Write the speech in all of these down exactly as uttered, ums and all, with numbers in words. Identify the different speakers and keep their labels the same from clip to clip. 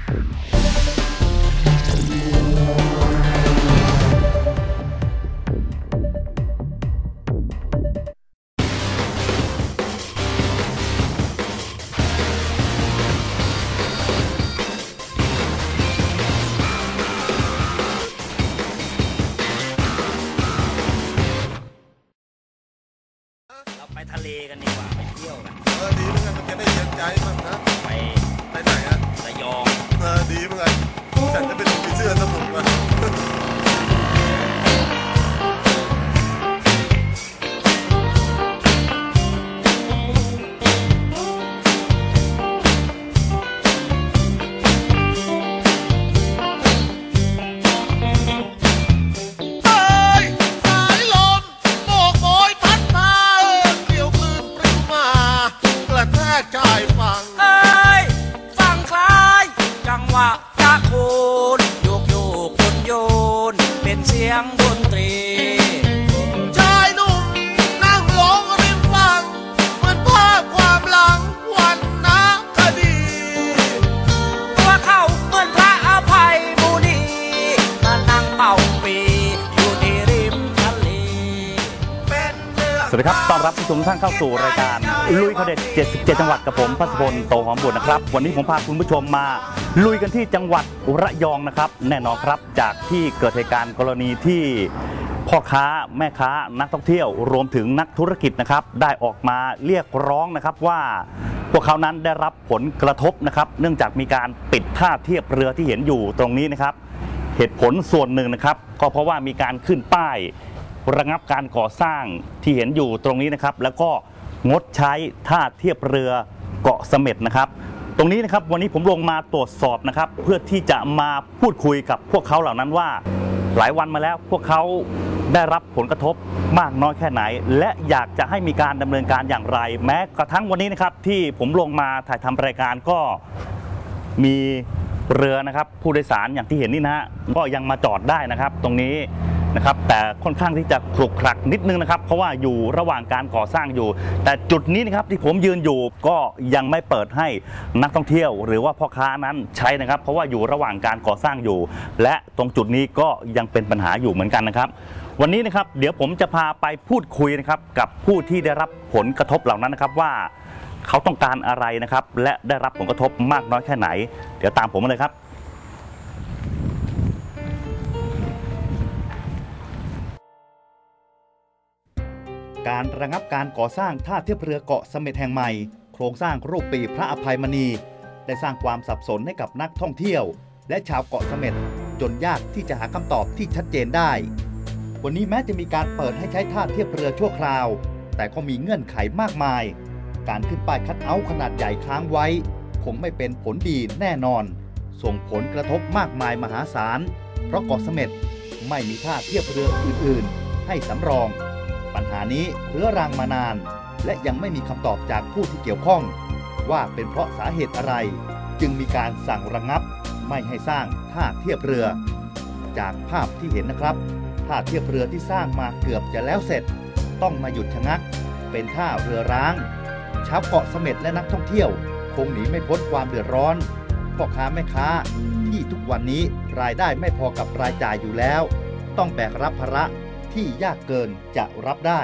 Speaker 1: ไปทะเลกันดีกว่าไปเที่ยวกัน
Speaker 2: เออดีเหมือนกันมันจะได้เย็นใจบ้างนะ
Speaker 1: ไป
Speaker 2: ไปไหนอะ
Speaker 1: ระยอง
Speaker 2: เออดีเหมือนกันฉันจะเป็นผีเสื้อสนุกว่ะ
Speaker 1: ดนตรี
Speaker 2: ชายหนุ่มนั่งร้องริมฝั่งเหมือนภาพความหลังวันนักคดี
Speaker 1: ตัวเขาเหมือนพระอภัยมุนีมานั่งเป่าปีอยู่ที่ริมทะเล
Speaker 3: สวัสดีครับต้อนรับผู้ชมท่านเข้าสู่รายการลุยเขาเด็ดเจ็ดสิบเจ็ดจังหวัดกับผมพัศพลโตหอมบุตรนะครับวันนี้ผมพาคุณผู้ชมมาลุยกันที่จังหวัดระยองนะครับแน่นอนครับจากที่เกิดเหตุการณ์กรณีที่พ่อค้าแม่ค้านักท่องเที่ยวรวมถึงนักธุรกิจนะครับได้ออกมาเรียกร้องนะครับว่าพวกเขานั้นได้รับผลกระทบนะครับเนื่องจากมีการปิดท่าเทียบเรือที่เห็นอยู่ตรงนี้นะครับเหตุผลส่วนหนึ่งนะครับก็เพราะว่ามีการขึ้นป้ายระงับการก่อสร้างที่เห็นอยู่ตรงนี้นะครับแล้วก็งดใช้ท่าเทียบเรือเกาะเสม็ดนะครับตรงนี้นะครับวันนี้ผมลงมาตรวจสอบนะครับเพื่อที่จะมาพูดคุยกับพวกเขาเหล่านั้นว่าหลายวันมาแล้วพวกเขาได้รับผลกระทบมากน้อยแค่ไหนและอยากจะให้มีการดำเนินการอย่างไรแม้กระทั่งวันนี้นะครับที่ผมลงมาถ่ายทำรายการก็มีเรือนะครับผู้โดยสารอย่างที่เห็นนี่นะฮะก็ยังมาจอดได้นะครับตรงนี้นะครับแต่ค่อนข้างที่จะขรุขระนิดนึงนะครับเพราะว่าอยู่ระหว่างการก่อสร้างอยู่แต่จุดนี้นะครับที่ผมยืนอยู่ก็ยังไม่เปิดให้นักท่องเที่ยวหรือว่าพ่อค้านั้นใช้นะครับเพราะว่าอยู่ระหว่างการก่อสร้างอยู่และตรงจุดนี้ก็ยังเป็นปัญหาอยู่เหมือนกันนะครับวันนี้นะครับเดี๋ยวผมจะพาไปพูดคุยนะครับกับผู้ที่ได้รับผลกระทบเหล่านั้นนะครับว่าเขาต้องการอะไรนะครับและได้รับผลกระทบมากน้อยแค่ไหนเดี๋ยวตามผมมาเลยครับการระงับการก่อสร้างท่าเทียบเรือเกาะเสม็ดแห่งใหม่โครงสร้างรูปปีพระอภัยมณีได้สร้างความสับสนให้กับนักท่องเที่ยวและชาวเกาะเสม็ดจนยากที่จะหาคำตอบที่ชัดเจนได้วันนี้แม้จะมีการเปิดให้ใช้ท่าเทียบเรือชั่วคราวแต่ก็มีเงื่อนไขมากมายการขึ้นป้ายคัทเอาท์ขนาดใหญ่ค้างไว้คงไม่เป็นผลดีแน่นอนส่งผลกระทบมากมายมหาศาลเพราะเกาะเสม็ดไม่มีท่าเทียบเรืออื่นๆให้สำรองปัญหานี้เรื้อรังมานานและยังไม่มีคำตอบจากผู้ที่เกี่ยวข้องว่าเป็นเพราะสาเหตุอะไรจึงมีการสั่งระงับไม่ให้สร้างท่าเทียบเรือจากภาพที่เห็นนะครับท่าเทียบเรือที่สร้างมาเกือบจะแล้วเสร็จต้องมาหยุดชะงักเป็นท่าเรือร้างชาวเกาะเสม็ดและนักท่องเที่ยวคงหนีไม่พ้นความเดือดร้อนพ่อค้าแม่ค้าที่ทุกวันนี้รายได้ไม่พอกับรายจ่ายอยู่แล้วต้องแบกรับภาระที่ยากเกินจะรับได้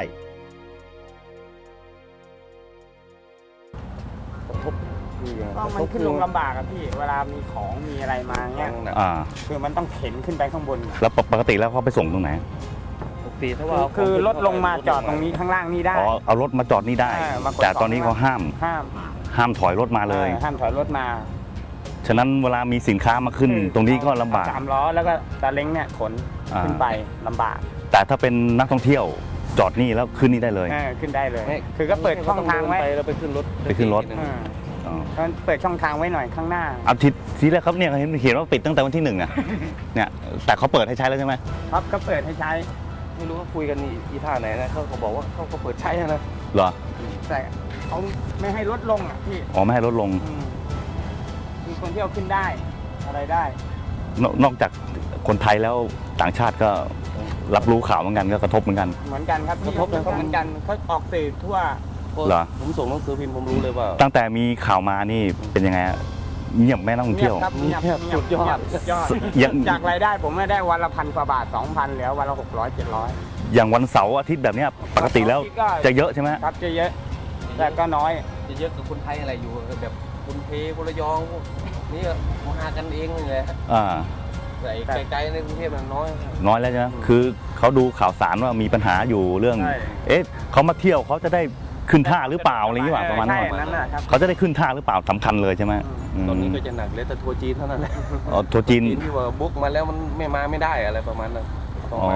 Speaker 4: ก็มันขึ้นลงลำบากอะพี่เวลามีของมีอะไรมาเงี้ยคือมันต้องเข็นขึ้นไปข้างบน
Speaker 3: แล้วปกติแล้วเขาไปส่งตรงไหน
Speaker 4: ปกติถ้าว่าคือรถลงมาจอดตรงนี้ข้างล่างนี่ได้
Speaker 3: อ๋อเอารถมาจอดนี่ได้แต่ตอนนี้เขาห้าม
Speaker 4: ห้าม
Speaker 3: ห้ามถอยรถมาเลย
Speaker 4: ห้ามถอยรถมา
Speaker 3: ฉะนั้นเวลามีสินค้ามาขึ้นตรงนี้ก็ลำบาก
Speaker 4: สามล้อแล้วก็ตาเล้งเนี่ยขนขึ้นไปลำบาก
Speaker 3: แต่ถ้าเป็นนักท่องเที่ยวจอดนี่แล้วขึ้นนี่ได้เลย
Speaker 4: ขึ้นได้เลยคือก็เปิดช่องทางไว้
Speaker 5: แล้วไปขึ้นรถ
Speaker 3: ไปขึ้นรถ
Speaker 4: เปิดช่องทางไว้หน่อยข้างหน้า
Speaker 3: เอาทีทีแรกครับเนี่ยเห็นเห็นว่าปิดตั้งแต่วันที่หนึ่งอ่ะเนี่ยแต่เขาเปิดให้ใช้แล้วใช่ไหม
Speaker 4: ครับก็เปิดให้ใช้
Speaker 5: ไม่รู้ว่าคุยกันอีท่าไหนนะเขาเขาบอกว่าเขาก็เปิดใช้นะ
Speaker 3: เหรอ
Speaker 4: แต่เขาไม่ให้ลดลงอ่ะพี่
Speaker 3: อ๋อไม่ให้ลดลง
Speaker 4: มีคนเที่ยวขึ้นได้อะไรได้
Speaker 3: นอกจากคนไทยแล้วต่างชาติก็รับรู้ข่าวเหมือนกันก็กระทบเหมือนกัน
Speaker 4: เหมือนกันครับกระทบเหมือนกันเขาออกสื่อทั่ว
Speaker 3: เหรอ
Speaker 5: ผมส่งหนังสือพิมพ์ผมรู้เลยว่า
Speaker 3: ตั้งแต่มีข่าวมานี่เป็นยังไงเงียบแม่นักท่องเที่ยว
Speaker 4: เงียบครับเงียบ
Speaker 5: สุดยอด
Speaker 4: สุดยอด
Speaker 3: อย่าง
Speaker 4: จากรายได้ผมไม่ได้วันละพันกว่าบาทสองพันเหลือวันละหกร้อยเจ็ดร้อย
Speaker 3: อย่างวันเสาร์อาทิตย์แบบเนี้ยปกติแล้วจะเยอะใช่ไหม
Speaker 4: ครับจะเยอะแต่ก็น้อย
Speaker 5: จะเยอะกับคนไทยอะไรอยู่แบบคนเพคนระยองพวกนี่มากันเองเลย
Speaker 3: อ่า
Speaker 5: แต่ไกลๆในกรุงเทพมันน้อย
Speaker 3: น้อยแล้วใช่ไหมคือเขาดูข่าวสารว่ามีปัญหาอยู่เรื่อง
Speaker 4: ใช่
Speaker 3: เอ๊ะเขามาเที่ยวเขาจะได้ขึ้นท่าหรือเปล่าอะไรอย่างเงี้ยประมาณนั้น
Speaker 4: ใช่นั่นแหละครับ
Speaker 3: เขาจะได้ขึ้นท่าหรือเปล่าสำคัญเลยใช่ไหม
Speaker 5: ตอนนี้ก็จะหนักเลยแต่ทัวร์จีนเท่านั้นแหละ
Speaker 3: อ๋อทัวร์จีน
Speaker 5: ที่ว่าบุ๊กมาแล้วมันไม่มาไม่ได้อะไรประมาณนั้นต้อง
Speaker 3: อ๋อ
Speaker 5: มา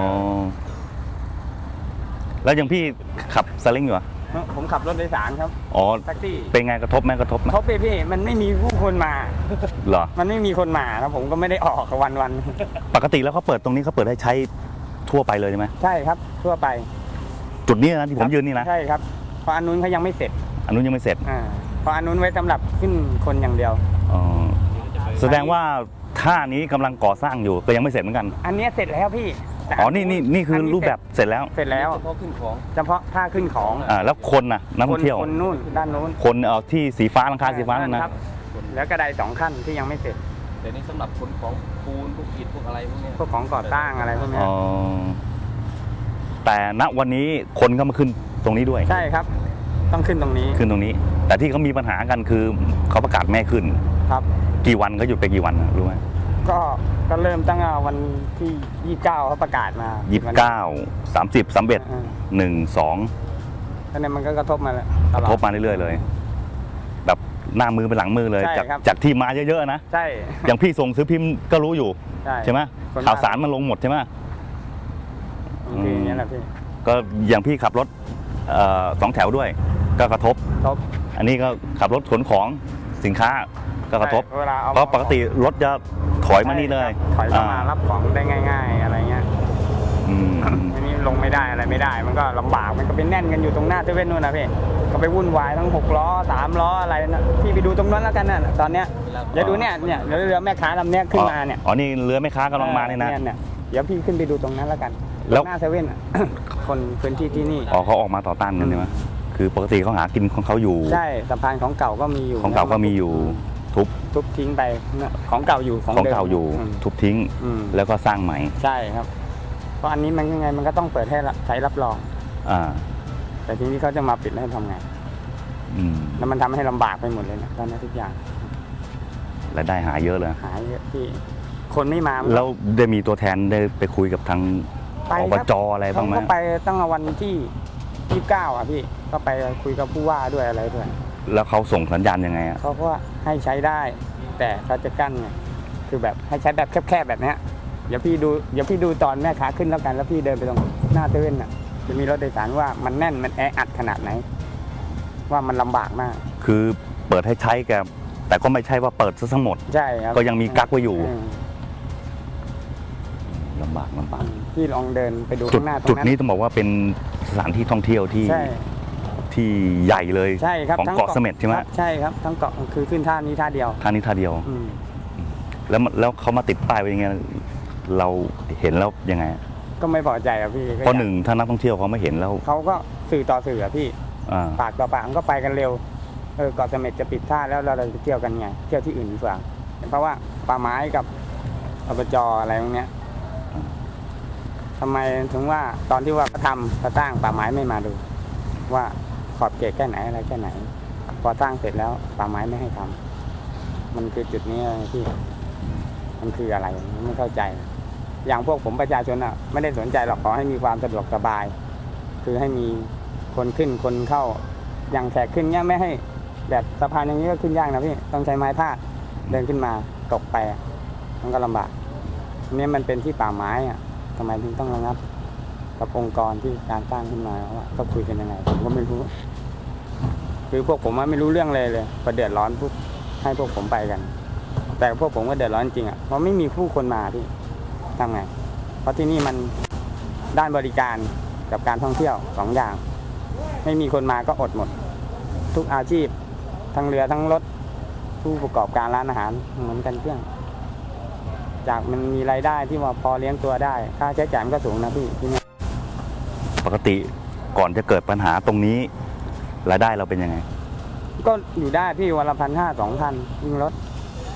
Speaker 3: แล้วอย่างพี่ขับซาเล้งอยู่อ่ะ
Speaker 4: ผมขับรถโดยสารครับ
Speaker 3: อ๋อ
Speaker 4: แท็กซี่
Speaker 3: เป็นไงกระทบไหมกระทบไหม
Speaker 4: เขาไปพี่มันไม่มีผู้คนมา
Speaker 3: เหรอ
Speaker 4: มันไม่มีคนมาแล้วผมก็ไม่ได้ออกวันวัน
Speaker 3: ปกติแล้วเขาเปิดตรงนี้เขาเปิดให้ใช้ทั่วไปเลยใช่ไหม
Speaker 4: ๆใช่ครับทั่วไป
Speaker 3: จุดนี้นะที่ผมยืนนี่นะ
Speaker 4: ใช่ครับเพราะอันนู้นเขายังไม่เสร็จ
Speaker 3: อันนู้นยังไม่เสร็จ
Speaker 4: อ่าเพราะอันนู้นไว้สำหรับขึ้นคนอย่างเดียว
Speaker 3: อ๋อแสดงว่าท่านี้กำลังก่อสร้างอยู่ก็ยังไม่เสร็จเหมือนกัน
Speaker 4: อันเนี้ยเสร็จแล้วพี่แต่
Speaker 3: อ๋อนี่นี่นี่คือรูปแบบเสร็จแล้ว
Speaker 4: เสร็จแล้ว
Speaker 5: เฉพาะขึ้นของ
Speaker 4: เฉพาะท่าขึ้นของ
Speaker 3: อ่าแล้วคนน่ะนักท่องเที่ยว
Speaker 4: คนนู่นด้านนู้น
Speaker 3: คนเอาที่สีฟ้าหลังคาสีฟ้านั่นนะครับ
Speaker 4: แล้วกระไดสองขั้นที่ยังไม่เสร็จ
Speaker 5: แต่นี่สำหรับคนของปูนพวกอิฐพวกอะไรพวกเนี้ย
Speaker 4: พวกของก่อสร้างอะไรพวกเนี้ย
Speaker 3: อ๋อแต่ณวันนี้คนก็มาขึ้นตรงนี้ด้วย
Speaker 4: ใช่ครับ ต้องขึ้นตรงนี้
Speaker 3: ขึ้นตรงนี้ แต่ที่เขามีปัญหากันคือเขาประกาศแม่ขึ้น
Speaker 4: ครับ
Speaker 3: กี่วันเขาหยุดไปกี่วันน่ะรู้ไหม
Speaker 4: ก็ก็เริ่มตั้งแต่วันที่ยี่สิบเก้าเขาประกาศมา
Speaker 3: ยี่สิบเก้าสามสิบสามเอ็ด
Speaker 4: อ่า
Speaker 3: หนึ่งสอง
Speaker 4: แล้วเนี่ยมันก็กระทบมาตลอด
Speaker 3: ทบมาเรื่อยๆเลย แบบหน้ามือเป็นหลังมือเลย
Speaker 4: ใช่
Speaker 3: จาก
Speaker 4: ครับ
Speaker 3: จากที่มาเยอะๆนะ
Speaker 4: ใช่
Speaker 3: อย่างพี่ส่งซื้อพิมพ์ก็รู้อยู่
Speaker 4: ใช่
Speaker 3: ใช่ไหม
Speaker 4: คน
Speaker 3: ข่าวสารมันลงหมดใช่ไหม
Speaker 4: คืออย่างนี้แหละพี่
Speaker 3: ก็อย่างพี่ขับรถเอ่อสองแถวด้วย ก็กระทบ
Speaker 4: ทบ
Speaker 3: อันนี้ก็ขับรถขนของสินค้าก็กระทบ
Speaker 4: ใช่เวลาเอา
Speaker 3: เพราะปกติรถจะถอยมานี่เลย
Speaker 4: ถอยเข้ามา
Speaker 3: อ่
Speaker 4: รับของได้ง่าย ๆ อะไรเงี้ย
Speaker 3: อืม
Speaker 4: อันนี้ลงไม่ได้อะไรไม่ได้ มันก็ลำบากมันก็เป็นแน่นกันอยู่ตรงหน้าเซเว่นนู่นนะพี่ก็ไปวุ่นวายทั้งหกล้อสามล้ออะไรนะพี่ไปดูตรงนั้นแล้วกันน่ะตอนเนี้ยเดี๋ยวดูเนี่ยเนี่ยเดี๋ยวเรือแม่ค้าลำเนี้ยขึ้นมาเนี่ย
Speaker 3: อ๋อนี่เรือแม่ค้ากำลังมาเนี่ยนะ
Speaker 4: เนี่ยเดี๋ยวพี่ขึ้นไปดูตรงนั้นแล้วกัน
Speaker 3: แล้ว
Speaker 4: หน้าเซเว่นอ่ะ คนพื้นที่ที่นี่
Speaker 3: อ๋อเขาออกมาต่อต้านกันใช่ไหมคือปกติเขาหากินของเขาอยู่
Speaker 4: ใช่สะพานของเก่าก็มีอยู่
Speaker 3: ของเก่าก็มีอยู่ทุบ
Speaker 4: ทุบทิ้งไปเนี่ยของเก่าอยู่ของ
Speaker 3: ของ
Speaker 4: เดิม
Speaker 3: เก่าอยู่
Speaker 4: ม
Speaker 3: ทุบทิ้ง
Speaker 4: อืม
Speaker 3: แล้วก็สร้างใหม่
Speaker 4: ใช่ครับ เพราะอันนี้มันยังไงมันก็ต้องเปิดให้ใช้รับรอง
Speaker 3: อ่า
Speaker 4: แต่ทีนี้เขาจะมาปิดให้ทำไง
Speaker 3: อืม
Speaker 4: แล้วมันทำให้ลำบากไปหมดเลยนะตอนนี้ทุกอย่าง
Speaker 3: รายได้หาเยอะเลย
Speaker 4: หายเยอะที่คนไม่มา
Speaker 3: แล้วได้มีตัวแทนได้ไปคุยกับทาง
Speaker 4: ไป
Speaker 3: อบ
Speaker 4: ครับ
Speaker 3: จอะไรบ้างไหม
Speaker 4: เขาก็ไปตั้งแต่วันที่ยี่สิบเก้าอ่ะพี่ก็ไปคุยกับผู้ว่าด้วยอะไรด้วย
Speaker 3: แล้วเขาส่งสัญญาณยังไงอ่ะ
Speaker 4: เขาก็ให้ใช้ได้ แต่เขาจะกั้นไงคือแบบให้ใช้แบบแคบๆแบบเนี้ยเดี๋ยวพี่ดูเดี๋ยวพี่ดูตอนแม่ค้าขึ้นแล้วกันแล้วพี่เดินไปตรงหน้าเซเว่นอ่ะจะมีรถโดยสารว่ามันแน่นมันแออัดขนาดไหน ว่ามันลำบากมาก
Speaker 3: คือเปิดให้ใช้แกแต่ก็ไม่ใช่ว่าเปิดซะทั้งหมด
Speaker 4: ใช่ครับ
Speaker 3: ก็ยังมีกั๊กไว้อยู่
Speaker 4: ม
Speaker 3: ลำบากลำบาก
Speaker 4: พี่ลองเดินไปดู
Speaker 3: จุด
Speaker 4: ข้างหน้าตรง
Speaker 3: จุด
Speaker 4: นั้น
Speaker 3: นี้ต้องบอกว่าเป็นสถานที่ท่องเที่ยวที่
Speaker 4: ใช่
Speaker 3: ที่ใหญ่เลย
Speaker 4: ใช่ครับ
Speaker 3: ของ
Speaker 4: ทั้
Speaker 3: เกาะเสม็ดใช่ไหม
Speaker 4: ครับใช่ครับทั้งเกาะคือขึ้นท่านี้ท่าเดียว
Speaker 3: ท่านี้ท่าเดียว
Speaker 4: อืม
Speaker 3: แล้วมันแล้วเขามาติดป้ายไว้ยังไงเราเห็นแล้วยังไง
Speaker 4: ก็ไม่พอใจอะพี่ก็
Speaker 3: เพราะหนึ่งถ้านักท่องเที่ยวเขาไม่เห็นแล้ว
Speaker 4: เขาก็สื่อต่อสื่ออะพี่
Speaker 3: อ่า
Speaker 4: ปากต่อปากมันก็ไปกันเร็วเออเกาะเสม็ดจะปิดท่าแล้วเราจะเที่ยวกันไงเที่ยวที่อื่นดีกว่าเพราะว่าป่าไม้กับอบจอะไรพวกเนี้ยทำไมถึงว่าตอนที่ว่าเขาทำเขาสร้างป่าไม้ไม่มาดู ว่าขอบเขตแค่ไหนอะไรแค่ไหน พอสร้างเสร็จแล้วป่าไม้ไม่ให้ทำมันคือจุดนี้ที่มันคืออะไรไม่เข้าใจ อย่างพวกผมประชาชนอ่ะไม่ได้สนใจหรอกขอให้มีความสะดวกสบาย คือให้มีคนขึ้นคนเข้าอย่างแขกขึ้นเนี้ยไม่ให้แบบสะพานอย่างนี้ก็ขึ้นยากนะพี่ต้องใช้ไม้พาดเดินขึ้นมาตกไปอะมันก็ลำบากอันนี้มันเป็นที่ป่าไม้อ่ะทำไมถึงต้องระงับกับองค์กรที่การสร้างขึ้นมาว่าก็คุยกันยังไงผมก็ไม่รู้คือพวกผมไม่รู้เรื่องเลยเลยพอเดือดร้อนปุ๊บให้พวกผมไปกัน แต่พวกผมก็เดือดร้อนจริงอ่ะเพราะไม่มีผู้คนมาพี่ทำไงเพราะที่นี่มันด้านบริการกับการท่องเที่ยวสองอย่างไม่มีคนมาก็อดหมดทุกอาชีพทั้งเรือทั้งรถผู้ประกอบการร้านอาหารเหมือนกันเพื่อนจากมันมีรายได้ที่ว่าพอเลี้ยงตัวได้ค่าใช้จ่ายมันก็สูงนะพี่ที่นี่
Speaker 3: ปกติก่อนจะเกิดปัญหาตรงนี้รายได้เราเป็นยังไง
Speaker 4: ก็อยู่ได้พี่วันละพันห้าสองพันยิ่งรถ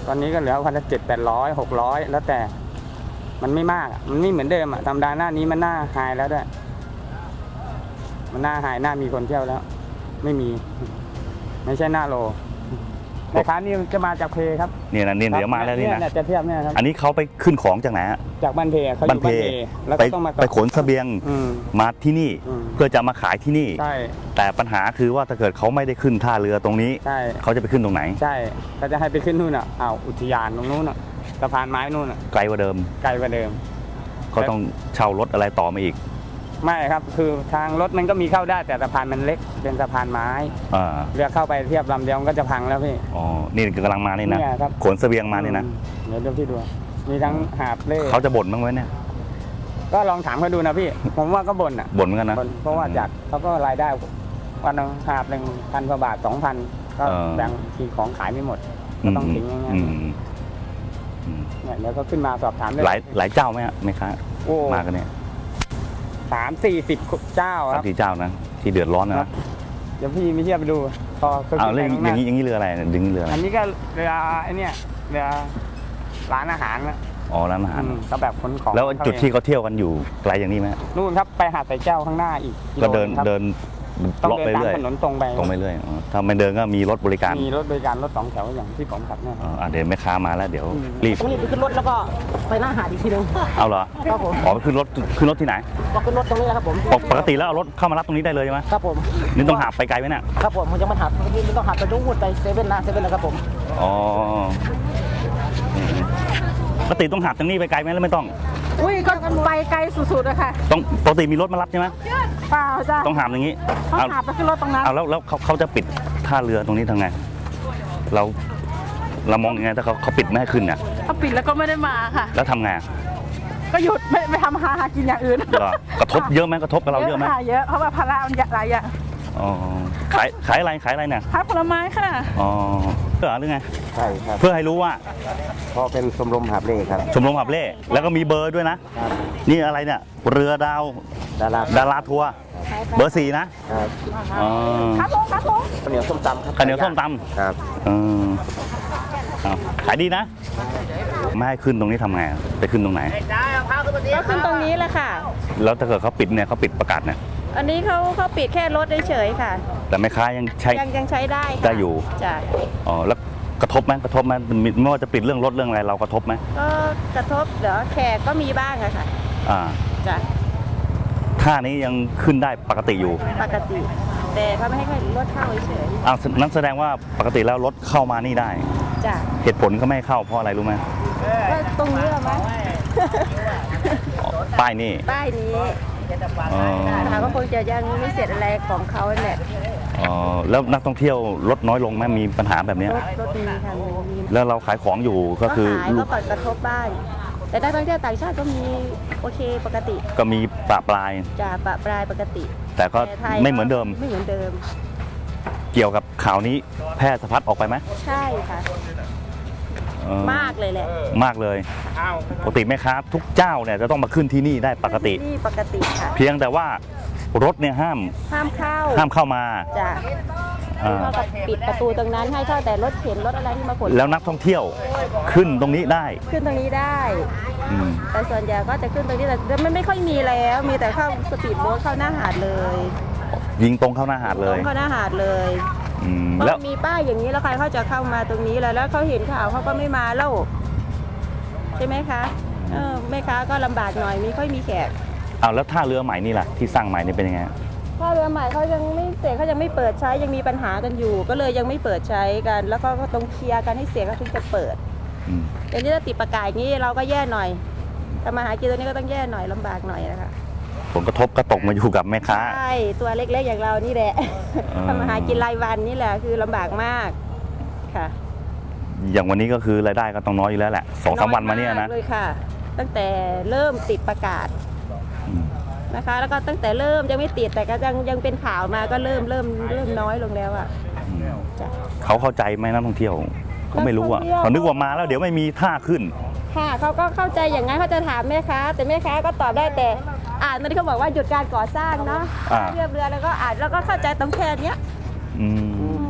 Speaker 4: ตอนนี้ก็เหลือพันละเจ็ดแปดร้อยหกร้อยแล้วแต่มันไม่มากมันไม่เหมือนเดิมอ่ะธรรมดาหน้านี้มันหน้าไฮแล้วด้วยมันหน้าไฮหน้ามีคนเที่ยวแล้ว ไม่มี ไม่ใช่หน้าโลแม่ค้านี่จะมาจากเพครับ
Speaker 3: เนี่ยนะเนี่ยเดี๋ยวมาแล้วนี่นะ
Speaker 4: จะเทียบเนี่ยครับ
Speaker 3: อันนี้เขาไปขึ้นของจากไหนฮะ
Speaker 4: จากบ้านเพเขาอยู่บ้านเพแล้ว
Speaker 3: ไป
Speaker 4: ก็ต้องมา
Speaker 3: ไปขนเสบียง
Speaker 4: อืม
Speaker 3: มาที่นี่
Speaker 4: อืม
Speaker 3: เพื่อจะมาขายที่นี่
Speaker 4: ใช่
Speaker 3: แต่ปัญหาคือว่าถ้าเกิดเขาไม่ได้ขึ้นท่าเรือตรงนี้
Speaker 4: ใช่
Speaker 3: เขาจะไปขึ้นตรงไหน
Speaker 4: ใช่ก็จะให้ไปขึ้นนู่นอ่ะอ้าวอุทยานตรงนู้นอ่ะสะพานไม้นู่นอ่ะ
Speaker 3: ไกลกว่าเดิม
Speaker 4: ไกลกว่าเดิม
Speaker 3: เขาต้องเช่ารถอะไรต่อมาอีก
Speaker 4: ไม่ครับคือทางรถมันก็มีเข้าได้แต่สะพานมันเล็กเป็นสะพานไม้
Speaker 3: อ่า
Speaker 4: เรือเข้าไปเทียบลำเดียวมันก็จะพังแล้วพี่
Speaker 3: อ๋อนี่กำลังมานี่นะ
Speaker 4: เนี่ยครับ
Speaker 3: ขนเสบียงมานี่นะ
Speaker 4: อืมเดี๋ยวเดี๋ยวพี่ดูมีทั้งหาบเล่
Speaker 3: เขาจะบ่นบ้างไหมเนี่ย
Speaker 4: ก็ลองถามเขาดูนะพี่ ผมว่าก็บ่นอ่ะ
Speaker 3: บ่นเหมือนกันนะ
Speaker 4: บ่นเพราะว่าจากเขาก็รายได้วันหนึงหาบหนึ่งพันกว่าบาทสองพันก็
Speaker 3: เออ
Speaker 4: แบ่งทีของขายไม่หมดก็ต้องทิ้งอย่างเงี้ย
Speaker 3: อืมอืม
Speaker 4: เนี่ยเดี๋ยวก็ขึ้นมาสอบถามได้
Speaker 3: หลายหลายเจ้าไหมฮะไหมคะ
Speaker 4: โอ้
Speaker 3: มากันเนี่ย
Speaker 4: สามสี่สิบเจ้าค
Speaker 3: สา
Speaker 4: รั
Speaker 3: ม
Speaker 4: บ
Speaker 3: สี่เจ้านะที่เดือดร้อนนะ
Speaker 4: เดี๋ยวพี่ไม่เชื่อไปดูพอเขา
Speaker 3: เอา
Speaker 4: ขึ้น
Speaker 3: เรื่อง
Speaker 4: ไปข้างห
Speaker 3: อย่าง
Speaker 4: น้า
Speaker 3: นี้อย่างนี้เรืออะไรดึงเรืออะไร
Speaker 4: อันนี้ก็เรือไอ้เนี่ยเรือร้านอาหารนะ
Speaker 3: อ๋อร้านอาหาร
Speaker 4: อืมก็แบบขนของ
Speaker 3: แล้วจุดที่
Speaker 4: เข้า
Speaker 3: เขาเที่ยวกันอยู่ไกลอย่างนี้ไหม
Speaker 4: เองนู่นครับไปหาดสายแก้วข้างหน้าอีก
Speaker 3: ก็เดิน
Speaker 4: ครับ
Speaker 3: เดิน
Speaker 4: ต้อง
Speaker 3: เลาะ
Speaker 4: เดิน
Speaker 3: ไป
Speaker 4: ตาม
Speaker 3: เรื่อย
Speaker 4: ถนนตรงไป
Speaker 3: ตรงไปเรื่อยอ๋อถ้าไม่เดินก็มีรถบริการ
Speaker 4: มีรถบริการรถสองแถวอย่างที่ผมขับเนี่ย
Speaker 3: อ๋ออ่ะเดี๋ยวแม่ค้ามาแล้วเดี๋ยว
Speaker 4: อืม
Speaker 3: รีบ
Speaker 6: ตรงนี้ไปขึ้นรถแล้วก็ไปหน้าหาดอีกทีหนึง
Speaker 3: เอาเหรอ
Speaker 6: ครับผม
Speaker 3: อ๋อขึ้นรถขึ้นรถที่ไหน
Speaker 6: ก็ขึ้นรถตรงนี้แหละครับผม
Speaker 3: ปกปกติแล้วเอารถเข้ามารับตรงนี้ได้เลยใช่ไหม
Speaker 6: ครับผม
Speaker 3: นี่ต้องหาบไปไกลไหมเนี่ย
Speaker 6: ครับผมมันยังไม่หัดมันต้องหัดไปดูวุ่นไปเซเว่นนะเซเว่นนะครับผม
Speaker 3: อ๋ออืมปกติต้องหาบตรงนี้ไปไกลไหมแล้วไม่ต้อง
Speaker 7: อุ้ยก็ไปไกลสุดๆอะค่ะ
Speaker 3: ต้องปกติมีรถมารับใช่ไหม
Speaker 7: เปล่าจ้ะ
Speaker 3: ต้องหามอย่างนี้
Speaker 7: เขา
Speaker 3: เอา
Speaker 7: หาไปขึ้นรถตรงนั้น
Speaker 3: เอาแล้วแล้วเขาเขาจะปิดท่าเรือตรงนี้ทำไง เราเรามองยังไงถ้าเขาเขาปิดไม่ให้ขึ้นเนี่ย
Speaker 7: เขาปิดแล้วก็ไม่ได้มาค่ะ
Speaker 3: แล้วทำไง
Speaker 7: ก็หยุดไม่ไม่ทำหาหากินอย่างอื่น
Speaker 3: เหรอกระทบเยอะไหมกระทบกับเราเยอะไหม
Speaker 7: ค่ะเยอะเพราะว่าภาระมันหลายอย่าง
Speaker 3: อ๋อขายขายอะไรขายอะไรเนี่ย
Speaker 7: ขายผลไม้ค่ะ
Speaker 3: อ๋อเพื่อหรือไง
Speaker 8: ใช่ครับ
Speaker 3: เพื่อให้รู้ว่า
Speaker 8: เพราะเป็นชมรมหาบเล่ครับ
Speaker 3: ชมรมขับเล่แล้วก็มีเบอร์ด้วยนะ นี่อะไรเนี่ย เรือดาว
Speaker 8: ดารา
Speaker 3: ดาราทัวร์เบอร์สี่นะ
Speaker 8: ครับ
Speaker 3: อ๋อ
Speaker 7: ครับผมครับผม
Speaker 8: ข้าวเหนียวส้มตำครับ
Speaker 3: ข้าวเหนียวส้มต
Speaker 8: ครับ
Speaker 3: ำเออเอาขายดีนะ ไม่ให้ขึ้นตรงนี้ทำไงไปขึ้นตรงไหน
Speaker 9: ก็ขึ้นตรงนี้แหละค่ะ
Speaker 3: แล้วถ้าเกิดเขาปิดเนี่ยเขาปิดประกาศเนี่ย
Speaker 9: อันนี้เขาเขาปิดแค่รถเฉยๆค่ะ
Speaker 3: แต่แม่ค้ายังใช้
Speaker 9: ยังยังใช้ได้ค่ะ
Speaker 3: ได้อยู่
Speaker 9: จ้ะ
Speaker 3: อ๋อแล้วกระทบไหมกระทบไหมมีไม่ว่าจะปิดเรื่องรถเรื่องอะไรเรากระทบไหม
Speaker 9: ก็กระทบเดี๋ยวแขกก็มีบ้างอะค่ะ
Speaker 3: อ่า
Speaker 9: จ้ะ
Speaker 3: ท่านี้ยังขึ้นได้ปกติอยู่
Speaker 9: ปกติ แต่เขาไม่ให้รถเข้าเฉย
Speaker 3: อ้าวนั่นแสดงว่าปกติแล้วรถเข้ามานี่ได้
Speaker 9: ๆจ้ะ
Speaker 3: เหตุผลก็ไม่ให้เข้าเพราะอะไรรู้ไหม
Speaker 9: ก็ตรงนี้เหรอมั้ง
Speaker 3: อ๋อป้ายนี่
Speaker 9: ป้ายนี้
Speaker 3: อ๋อ
Speaker 9: ค่ะก็คงจะยังไม่เสร็จอะไรของเขาแหละ
Speaker 3: อ๋อแล้วนักท่องเที่ยวลดน้อยลงไหมมีปัญหาแบบเนี้ย
Speaker 9: รถรถมีค่ะมี
Speaker 3: แล้วเราขายของอยู่ก็
Speaker 9: ก็
Speaker 3: คือ
Speaker 9: ขายก็ก่อนกระทบบ้างแต่นักท่องเที่ยวต่างชาติก็มีโอเคปกติ
Speaker 3: ก็มีปะปลาย
Speaker 9: จ้ะปะปลายปกติ
Speaker 3: แต่ก็
Speaker 9: แต่ไทย
Speaker 3: ไม่เหมือนเดิม
Speaker 9: ไม่เหมือนเดิม
Speaker 3: เกี่ยวกับข่าวนี้แพร่สะพัดออกไปไหม
Speaker 9: ใช่ค่ะ
Speaker 3: เออ
Speaker 9: มากเลยแหละ
Speaker 3: มากเลยปกติแม่ค้าทุกเจ้าเนี่ยจะต้องมาขึ้นที่นี่ได้ปกติ
Speaker 9: นี่ปกติค่ะ
Speaker 3: เพียงแต่ว่ารถเนี่ยห้าม
Speaker 9: ห้ามเข้า
Speaker 3: ห้ามเข้ามา
Speaker 9: จ้ะ
Speaker 3: อ่า
Speaker 9: เท่ากับปิดประตูตรงนั้นให้เข้าแต่รถเข็นรถอะไรที่มาขน
Speaker 3: แล้วนักท่องเที่ยวขึ้นตรงนี้ได้
Speaker 9: ขึ้นตรงนี้ได้
Speaker 3: อืม
Speaker 9: แต่ส่วนใหญ่ก็จะขึ้นตรงนี้แต่มันไม่ค่อยมีแล้ว มีแต่เข้าสปีดโบ๊ทเข้าหน้าหาดเลย
Speaker 3: ยิงตรงเข้าหน้าหาดเล
Speaker 9: ตร
Speaker 3: ย
Speaker 9: งเข้าหน้าหาดเลย
Speaker 3: อืม
Speaker 9: เพราะ
Speaker 3: แล้ว
Speaker 9: มีป้ายอย่างนี้แล้วใครเขาจะเข้ามาตรงนี้แล้วแล้วเขาเห็นข่าวเขาก็ไม่มาแล้วใช่ไหมคะเออแม่ค้าก็ลำบากหน่อยมีค่อยมีแขก
Speaker 3: เอาแล้วท่าเรือใหม่นี่ล่ะที่สร้างใหม่นี่เป็นยังไง
Speaker 9: ถ้าเรือใหม่เขายังไม่เสร็จเขายังไม่เปิดใช้ยังมีปัญหากันอยู่ ก็เลยยังไม่เปิดใช้กัน แล้วก็ต้องเคลียร์กันให้เสร็จเขาถึงจะเปิด
Speaker 3: อืม
Speaker 9: เดี๋ยวนี้ถ้าติดประกาศอย่างนี้เราก็แย่หน่อยทำมาหากินตัวนี้ก็ต้องแย่หน่อยลำบากหน่อยนะคะ
Speaker 3: ผลกระทบก็ตกมาอยู่กับแม่ค้า
Speaker 9: ใช่ตัวเล็กๆอย่างเรานี่แหละ
Speaker 3: เออ
Speaker 9: ทำมาหากินรายวันนี่แหละคือลำบากมากค่ะ
Speaker 3: อย่างวันนี้ก็คือรายได้ก็ต้องน้อยอยู่แล้วแหละสองสามวันมาเนี่ย
Speaker 9: อย
Speaker 3: นะ
Speaker 9: กเลยค่ะ ตั้งแต่เริ่มติดประกาศ
Speaker 3: อืม
Speaker 9: นะคะ แล้วก็ตั้งแต่เริ่มยังไม่ติดแต่ก็ยังยังเป็นข่าวมาก็เริ่มเริ่มเริ่มน้อยลงแล้วอ่ะ
Speaker 3: อืม
Speaker 9: จ้ะ
Speaker 3: เขาเข้าใจไหมนักท่องเที่ยวเขาไม่รู้อ่ะ
Speaker 9: นักท่องเที่ยว
Speaker 3: เขานึกว่ามาแล้วเดี๋ยวไม่มีท่าขึ้น
Speaker 9: ค่ะเขาก็เข้าใจอย่างนั้นเขาจะถามแม่ค้าแต่แม่ค้าก็ตอบได้แต่อ่านตอนที่เขาบอกว่าหยุดการก่อสร้างเนาะ
Speaker 3: อ่า
Speaker 9: เรียบเรือแล้วก็อ่านแล้วก็เข้าใจตรงแค่เนี้ย
Speaker 3: อื
Speaker 9: อื
Speaker 3: ม
Speaker 9: ม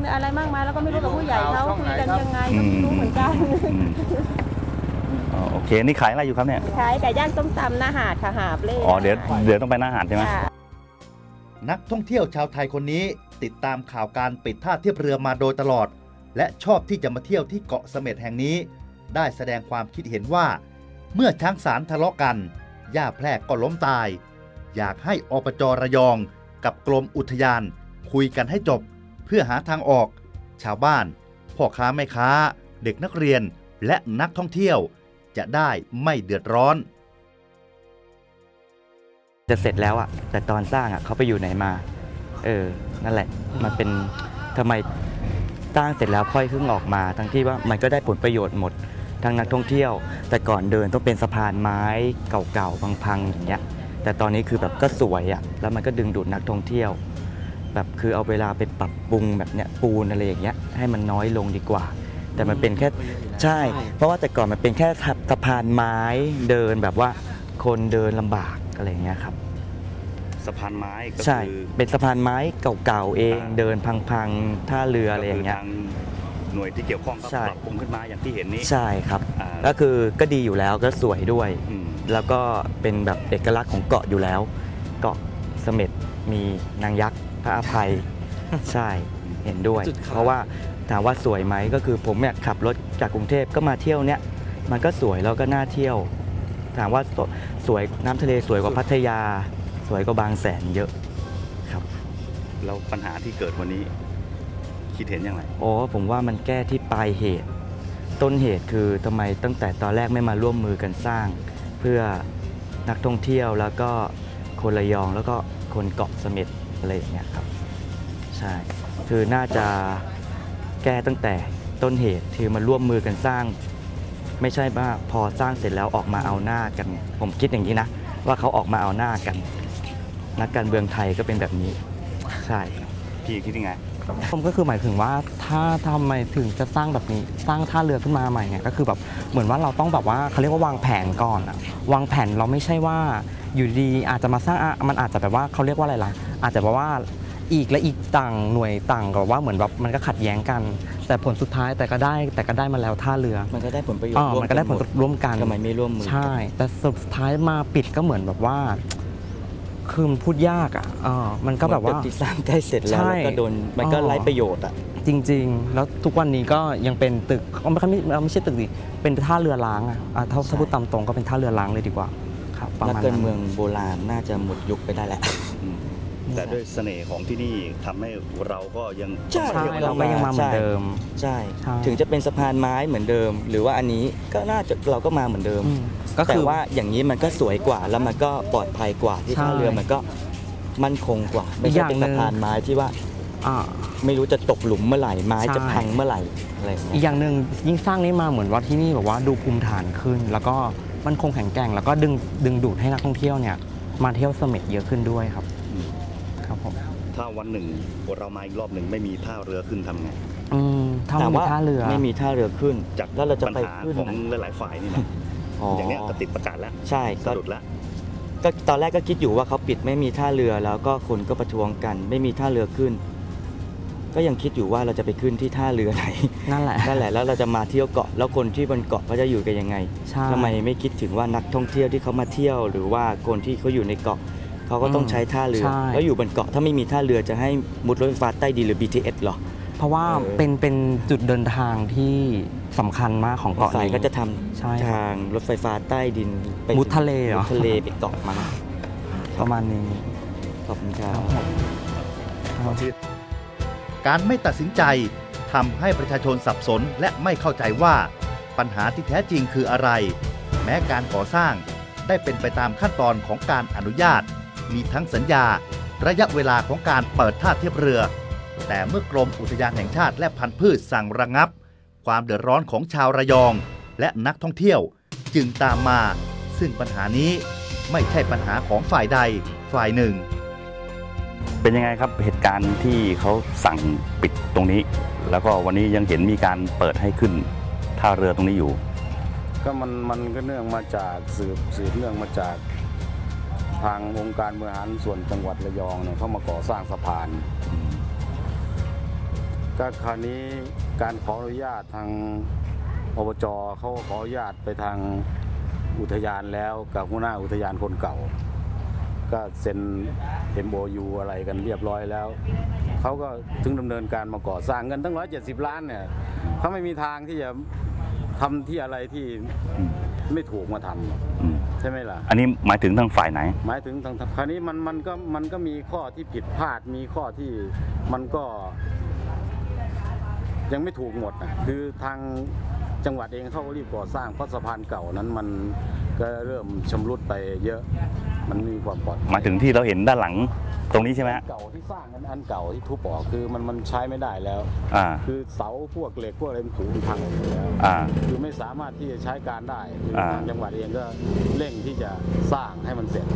Speaker 9: อะไรมากมายแล้วก็ไม่รู้กับผู้ใหญ่เขาคุยกันยังไงก็ไม่รู้เหมือนกัน
Speaker 3: อ๋อโอเคนี่ขายอะไรอยู่ครับเนี่ย
Speaker 9: ขายไก่ย่างต้มตำหน้าหาดค่ะหาบเล่
Speaker 3: อ๋อเดี๋ยวเดี๋ยวต้องไปหน้าหาดใช่ไหม
Speaker 2: นักท่องเที่ยวชาวไทยคนนี้ติดตามข่าวการปิดท่าเทียบเรือมาโดยตลอดและชอบที่จะมาเที่ยวที่เกาะเสม็ดแห่งนี้ได้แสดงความคิดเห็นว่าเมื่อช้างสารทะเลาะกันย่าแพรกก็ล้มตายอยากให้อปจ.ระยองกับกรมอุทยานคุยกันให้จบเพื่อหาทางออกชาวบ้านพ่อค้าแม่ค้าเด็กนักเรียนและนักท่องเที่ยวจะได้ไม่เดือดร้อน
Speaker 3: จะเสร็จแล้วอะแต่ตอนสร้างอะเขาไปอยู่ไหนมาเออนั่นแหละมันเป็นทำไมสร้างเสร็จแล้วค่อยเพิ่งออกมาทั้งที่ว่ามันก็ได้ผลประโยชน์หมดทั้งนักท่องเที่ยวแต่ก่อนเดินต้องเป็นสะพานไม้เก่าๆพังๆอย่างเงี้ยแต่ตอนนี้คือแบบก็สวยอะแล้วมันก็ดึงดูดนักท่องเที่ยวแบบคือเอาเวลาไปปรับปรุงแบบเนี้ยปูนอะไรอย่างเงี้ยให้มันน้อยลงดีกว่าแต่มันเป็นแค่ใช่เพราะว่าแต่ก่อนมันเป็นแค่สะพานไม้เดินแบบว่าคนเดินลำบากอะไรอย่างเงี้ยครับสะพานไม้ก็คือเป็นสะพานไม้เก่าๆเองเดินพังๆท่าเรืออะไรอย่างเงี้ยหน่วยที่เกี่ยวข้องก็ปรับปรุงขึ้นมาอย่างที่เห็นนี้ใช่ครับก็คือก็ดีอยู่แล้วก็สวยด้วยแล้วก็เป็นแบบเอกลักษณ์ของเกาะอยู่แล้วเกาะเสม็ดมีนางยักษ์พระอภัยใช่เห็นด้วยเพราะว่าถามว่าสวยไหมก็คือผมเนี่ยขับรถจากกรุงเทพก็มาเที่ยวเนี้ยมันก็สวยแล้วก็น่าเที่ยวถามว่าสวยน้ำทะเลสวยกว่าพัทยาสวยกว่าบางแสนเยอะครับแล้วปัญหาที่เกิดวันนี้คิดเห็นยังไงโอ้ผมว่ามันแก้ที่ปลายเหตุต้นเหตุคือทำไมตั้งแต่ตอนแรกไม่มาร่วมมือกันสร้างเพื่อนักท่องเที่ยวแล้วก็คนระยองแล้วก็คนเกาะเสม็ดอะไรอย่างเงี้ยครับใช่คือน่าจะแก้ตั้งแต่ต้นเหตุคือมาร่วมมือกันสร้างไม่ใช่ว่าพอสร้างเสร็จแล้วออกมาเอาหน้ากันผมคิดอย่างนี้นะว่าเขาออกมาเอาหน้ากันนักการเมืองไทยก็เป็นแบบนี้ใช่พี่คิดยังไงผมก็คือหมายถึงว่าถ้าทำไมถึงจะสร้างแบบนี้สร้างท่าเรือขึ้นมาใหม่เนี่ยก็คือแบบเหมือนว่าเราต้องแบบว่าเขาเรียกว่าวางแผนก่อนอะวางแผนเราไม่ใช่ว่าอยู่ดีอาจจะมาสร้างมันอาจจะแบบว่าเขาเรียกว่าอะไรล่ะอาจจะแบบว่าอีกและอีกต่างหน่วยต่างกับว่าเหมือนแบบมันก็ขัดแย้งกันแต่ผลสุดท้ายแต่ก็ได้แต่ก็ได้มาแล้วท่าเรือมันก็ได้ผลประโยชน์มันก็ได้ผลร่วมกันทำไมไม่ร่วมมือใช่แต่สุดท้ายมาปิดก็เหมือนแบบว่าคือพูดยากอ่ะมันก็แบบว่าที่สร้างใกล้เสร็จแล้วก็โดนมันก็ไร้ประโยชน์อ่ะจริงๆแล้วทุกวันนี้ก็ยังเป็นตึกไม่ใช่ไม่ใช่ตึกดิเป็นท่าเรือล้างอ่ะถ้าพูดตามตรงก็เป็นท่าเรือล้างเลยดีกว่าครับนักการเมืองโบราณน่าจะหมดยุคไปได้แล้วแต่ด้วยเสน่ห์ของที่นี่ทำให้เราก็ยังใช่เราก็ยังมาเหมือนเดิมใช่ถึงจะเป็นสะพานไม้เหมือนเดิมหรือว่าอันนี้ก็น่าจะเราก็มาเหมือนเดิมก็แต่ว่าอย่างนี้มันก็สวยกว่าแล้วมันก็ปลอดภัยกว่าที่ท่าเรือมันก็มั่นคงกว่าไม่ใช่เป็นสะพานไม้ที่ว่าไม่รู้จะตกหลุมเมื่อไหร่ไม้จะพังเมื่อไหร่อะไรอีกอย่างหนึ่งยิ่งสร้างนี้มาเหมือนว่าที่นี่แบบว่าดูภูมิฐานขึ้นแล้วก็มั่นคงแข็งแกร่งแล้วก็ดึงดึงดูดให้นักท่องเที่ยวเนี่ยมาเที่ยวเสม็ดเยอะขึ้นด้วยครับถ้าวันหนึ่งเรามาอีกรอบหนึ่งไม่มีท่าเรือขึ้นทำไงถ้าไม่มีท่าเรือไม่มีท่าเรือขึ้นจากแล้วเราจะไปขึ้นของหลายๆฝ่ายนี่นะอย่างนี้ก็ติดประกาศแล้วใช่ก็หลุดแล้วก็ตอนแรกก็คิดอยู่ว่าเขาปิดไม่มีท่าเรือแล้วก็คนก็ประท้วงกันไม่มีท่าเรือขึ้นก็ยังคิดอยู่ว่าเราจะไปขึ้นที่ท่าเรือไหนนั่นแหละนั่นแหละแล้วเราจะมาเที่ยวเกาะแล้วคนที่บนเกาะเขาจะอยู่กันยังไงทำไมไม่คิดถึงว่านักท่องเที่ยวที่เขามาเที่ยวหรือว่าคนที่เขาอยู่ในเกาะเขาก็ต้องใช้ท่าเรือแล้วอยู่บนเกาะถ้าไม่มีท่าเรือจะให้มุดรถไฟฟ้าใต้ดินหรือ บี ที เอส หรอเพราะว่าเป็นเป็นจุดเดินทางที่สำคัญมากของเกาะนี้ก็จะทำทางรถไฟฟ้าใต้ดินมุดทะเลเหรอทะเลไปเกาะมันประมาณนี้ขอบคุณครับ
Speaker 2: การไม่ตัดสินใจทำให้ประชาชนสับสนและไม่เข้าใจว่าปัญหาที่แท้จริงคืออะไรแม้การก่อสร้างได้เป็นไปตามขั้นตอนของการอนุญาตมีทั้งสัญญาระยะเวลาของการเปิดท่าเทียบเรือแต่เมื่อกรมอุทยานแห่งชาติและพันธุ์พืชสั่งระงับความเดือดร้อนของชาวระยองและนักท่องเที่ยวจึงตามมาซึ่งปัญหานี้ไม่ใช่ปัญหาของฝ่ายใดฝ่ายหนึ่ง
Speaker 3: เป็นยังไงครับเหตุการณ์ที่เขาสั่งปิดตรงนี้แล้วก็วันนี้ยังเห็นมีการเปิดให้ขึ้นท่าเรือตรงนี้อยู่
Speaker 10: ก็มันมันก็เนื่องมาจากสืบสืบเนื่องมาจากทางองค์การบริหารส่วนจังหวัดระยองเนี่ยเขามาก่อสร้างสะพานก็คราวนี้การขออนุญาตทางอบจเขาขออนุญาตไปทางอุทยานแล้วกับหัวหน้าอุทยานคนเก่าก็เซ็น เอ็ม โอ ยู อะไรกันเรียบร้อยแล้วเขาก็ถึงดำเนินการมาก่อสร้างเงินตั้งร้อยเจ็ดสิบล้านเนี่ยเขาไม่มีทางที่จะทำที่อะไรที่ไม่ถูกมาทำใช่ไหมล่ะ
Speaker 3: อันนี้หมายถึงทางฝ่ายไหน
Speaker 10: หมายถึงทางคราวนี้มันมันก็มันก็มีข้อที่ผิดพลาดมีข้อที่มันก็ยังไม่ถูกหมดนะคือทางจังหวัดเองเขาก็รีบก่อสร้างเพราะสะพานเก่านั้นมันก็เริ่มชำรุดไปเยอะมันมีความปลอดภัย
Speaker 3: หมายถึงที่เราเห็นด้านหลังตรงนี้ใช่ไหม
Speaker 10: เก่าที่สร้างนั้นอันเก่าที่ทุบออกคือมันมันใช้ไม่ได้แล้วคือเสาพวกเหล็กพวกอะไรมันผุพังหมดแล้วคือไม่สามารถที่จะใช้การได้ทางจังหวัดเองก็เร่งที่จะสร้างให้มันเสร็จ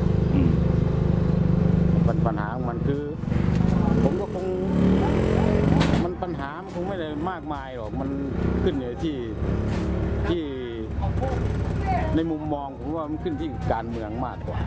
Speaker 10: ปัญหาของมันคือผมก็คงมันปัญหามันคงไม่ได้มากมายหรอกมันขึ้นอยู่ที่ที่ในมุมมองผมว่ามันขึ้นที่การเมืองมากกว่า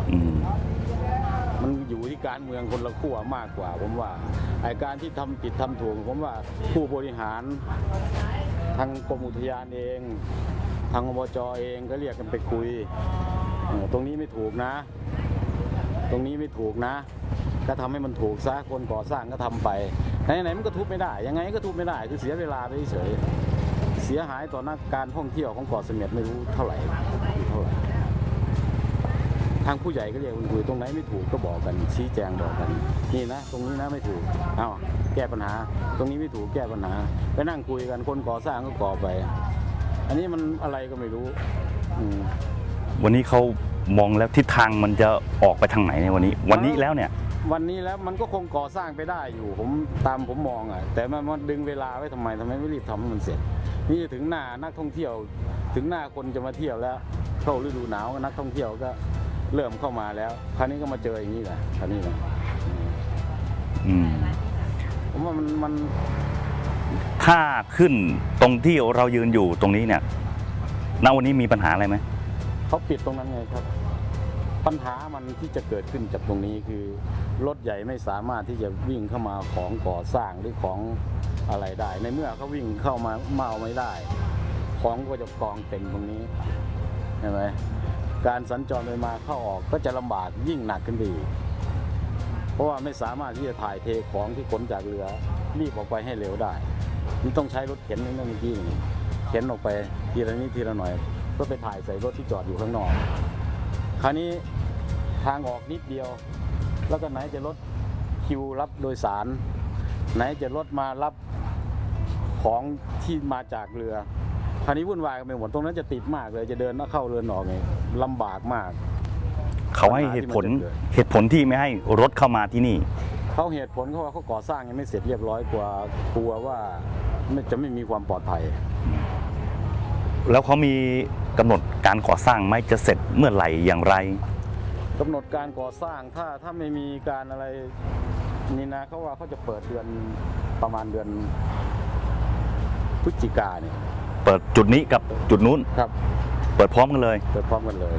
Speaker 10: มันอยู่ที่การเมืองคนละขั้วมากกว่าผมว่าไอ้การที่ทำผิดทำถูกผมว่าผู้บริหารทางกรมอุทยานเองทางอบจเองก็เรียกกันไปคุยตรงนี้ไม่ถูกนะตรงนี้ไม่ถูกนะก็ทำให้มันถูกซะคนก่อสร้างก็ทำไปไหนๆมันก็ทุบไม่ได้ยังไงก็ทุบไม่ได้คือเสียเวลาไปเฉยเสียหายต่อนักการท่องเที่ยวของเกาะเสม็ดไม่รู้เท่าไหร่เท่าไหร่ทางผู้ใหญ่ก็เรียกคุยตรงไหนไม่ถูกก็บอกกันชี้แจงบอกกันนี่นะตรงนี้นะไม่ถูกเอาแก้ปัญหาตรงนี้ไม่ถูกแก้ปัญหาไปนั่งคุยกันคนก่อสร้างก็ก่อไปอันนี้มันอะไรก็ไม่รู้
Speaker 3: วันนี้เขามองแล้วทิศทางมันจะออกไปทางไหนในวันนี้วันนี้แล้วเนี่ย
Speaker 10: วันนี้แล้วมันก็คงก่อสร้างไปได้อยู่ผมตามผมมองอ่ะแต่มันมันดึงเวลาไว้ทำไมทำไมไม่รีบทำให้มันเสร็จนี่ถึงหน้านักท่องเที่ยวถึงหน้าคนจะมาเที่ยวแล้วเข้าฤดูหนาวนักท่องเที่ยวก็เริ่มเข้ามาแล้วคราวนี้ก็มาเจออย่างนี้แหละคราวนี้นะ
Speaker 3: อืม
Speaker 10: ผมว่ามันมัน
Speaker 3: ถ้าขึ้นตรงที่เรายืนอยู่ตรงนี้เนี่ยณวันนี้มีปัญหาอะไรไหม
Speaker 10: เขาปิดตรงนั้นไงครับปัญหามันที่จะเกิดขึ้นจากตรงนี้คือรถใหญ่ไม่สามารถที่จะวิ่งเข้ามาของก่อสร้างหรือของอะไรได้ในเมื่อเขาวิ่งเข้ามาเมาไม่ได้ของก็จะกองเต็มตรงนี้ใช่ไหมการสัญจรไปมาเข้าออกก็จะลำบากยิ่งหนักขึ้นไปอีกเพราะว่าไม่สามารถที่จะถ่ายเทของที่ขนจากเรือรีบออกไปให้เร็วได้มันต้องใช้รถเข็นนี่นั่นเมื่อกี้นี่เข็นออกไปทีละนิดทีละหน่อยก็ไปถ่ายใส่รถที่จอดอยู่ข้างนอกคราวนี้ทางออกนิดเดียวแล้วก็ไหนจะรถคิวรับโดยสารไหนจะรถมารับของที่มาจากเรือคราวนี้วุ่นวายกันไปหมดตรงนั้นจะติดมากเลยจะเดินเข้าเรือนออกไงลำบากมาก
Speaker 3: เขาให้เหตุผลเหตุผลที่ไม่ให้รถเข้ามาที่นี่
Speaker 10: เขาเหตุผลเขาว่าเขาก่อสร้างยังไม่เสร็จเรียบร้อยกว่ากลัวว่าจะไม่มีความปลอดภัย
Speaker 3: แล้วเขามีกำหนดการก่อสร้างไหมจะเสร็จเมื่อไหร่อย่างไร
Speaker 10: กำหนดการก่อสร้างถ้าถ้าไม่มีการอะไรนี่นะเขาว่าเขาจะเปิดเดือนประมาณเดือนพฤศจิกาเนี่ย
Speaker 3: เปิดจุดนี้กับจุดนู้น
Speaker 10: ครับ
Speaker 3: เปิดพร้อมกันเลย
Speaker 10: เปิดพร้อมกันเลย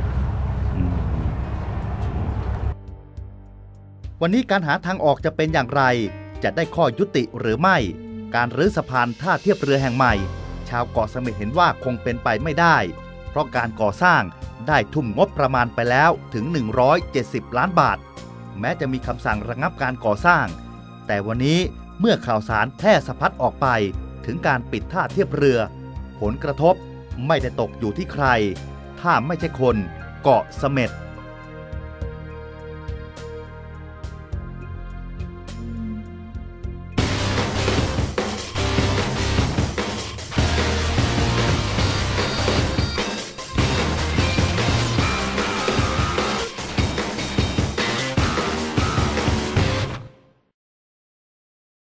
Speaker 2: วันนี้การหาทางออกจะเป็นอย่างไรจะได้ข้อยุติหรือไม่การรื้อสะพานท่าเทียบเรือแห่งใหม่ชาวเกาะเสม็ดเห็นว่าคงเป็นไปไม่ได้เพราะการก่อสร้างได้ทุ่มงบประมาณไปแล้วถึงหนึ่งร้อยเจ็ดสิบล้านบาทแม้จะมีคำสั่งระงับการก่อสร้างแต่วันนี้เมื่อข่าวสารแพร่สะพัดออกไปถึงการปิดท่าเทียบเรือผลกระทบไม่ได้ตกอยู่ที่ใครถ้าไม่ใช่คนเกาะเสม็ด